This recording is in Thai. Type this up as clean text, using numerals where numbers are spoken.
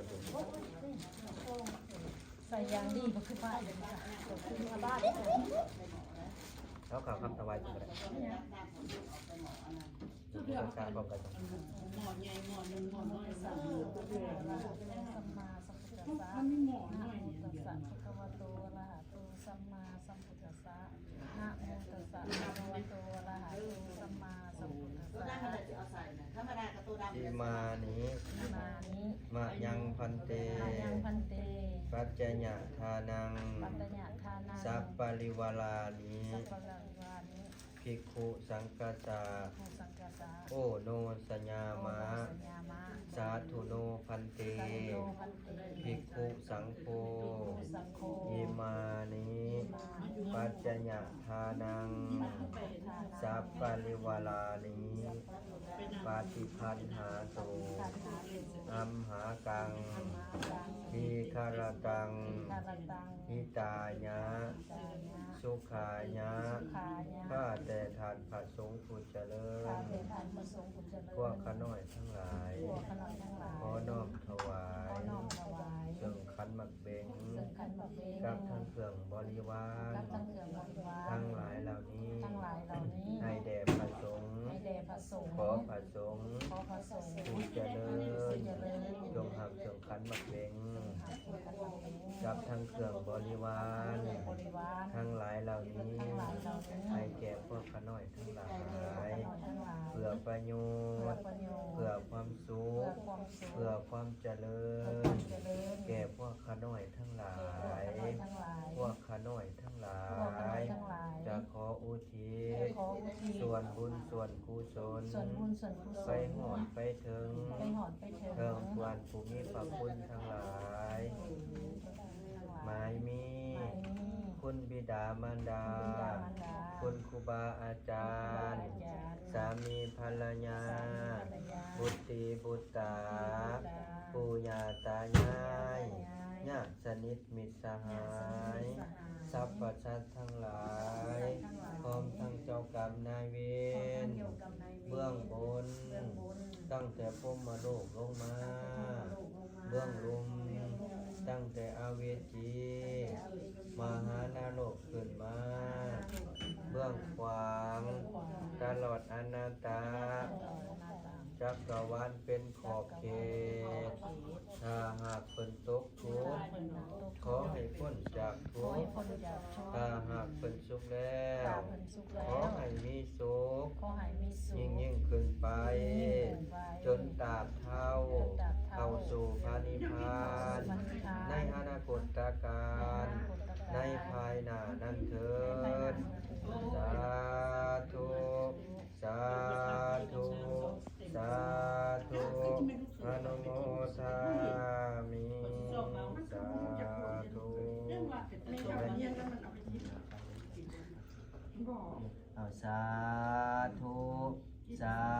ใส่ยางดีก็คือบ้านเลยค่ะคือมาบ้านแล้วข่าวคำถวายตัวอะไรการบอกกันหมอนใหญ่หมอนหนึ่งหมอนน้อยสัมมาสัมพุทธัสสะนะโมตัสสะภะคะวะโตอะระหะโตสัมมาสัมพุทธัสสะนะโมตัสสะภะคะวะโตอะระหะโตสัมมาสัมพุทธัสสะธรรมดากับตัวดำอิมานิมะยังพันเตปัจจญะทานังสัพปริวารานิภิกขุสังกัสสะโอโนสัญญามะสาธุโนพันเตภิกขุสังโฆอิมานิปัจจญะทานังสัพปริวารานิปาติคันหาโตอัมหากังทีคารตังหิตายะสุขายะข้าแต่ทานพระสงฆ์ผู้เจริญพวกข้าน้อยทั้งหลายขอน้อมถวายเครื่องขันหมักเบงกับทั้งเครื่องบริวารทั้งหลายเหล่านี้ให้แด่พระสงฆ์ขอพระสงฆ์ผู้เจริญจงหักเครื่องขันหมักเบงกับทั้งเครื่องบริวารทั้งหลายเหล่านี้ให้แก่พวกข้าน้อยทั้งหลายเพื่อประโยชน์เพื่อความสุขเพื่อความเจริญแก่พวกข้าน้อยทั้งหลายพวกข้าน้อยทั้งหลายจะขออุทิศส่วนบุญส่วนกุศลไปหอดไปถึงเทิงควรภูมิพระคุณทั้งหลายหมายมีคุณบิดามารดาคุณครูบาอาจารย์สามีภรรยาบุตรีบุตรปู่ย่าตายายญาติสนิทมิตรสหายสรรพสัตว์ทั้งหลายพร้อมทั้งเจ้ากรรมนายเวรเบื้องบนตั้งแต่พรหมโลกลงมาเบื้องลุ่มตั้งแต่อเวจีมหานรกขึ้นมาเบื้องขวางตลอดอนันตาจักรวาลเป็นขอบเขตถ้าหากเป็นตกทุกข์ขอให้พ้นจากทุกข์ถ้าหากเป็นสุขแล้วขอให้มีสุขยิ่งขึ้นไปจนตราบเท่าเข้าสู่พระนิพพานในอนาคตการในภายหน้านั้นเถิดสาธุสาธุสาธุอนุโมทามิสาธุสาธุสา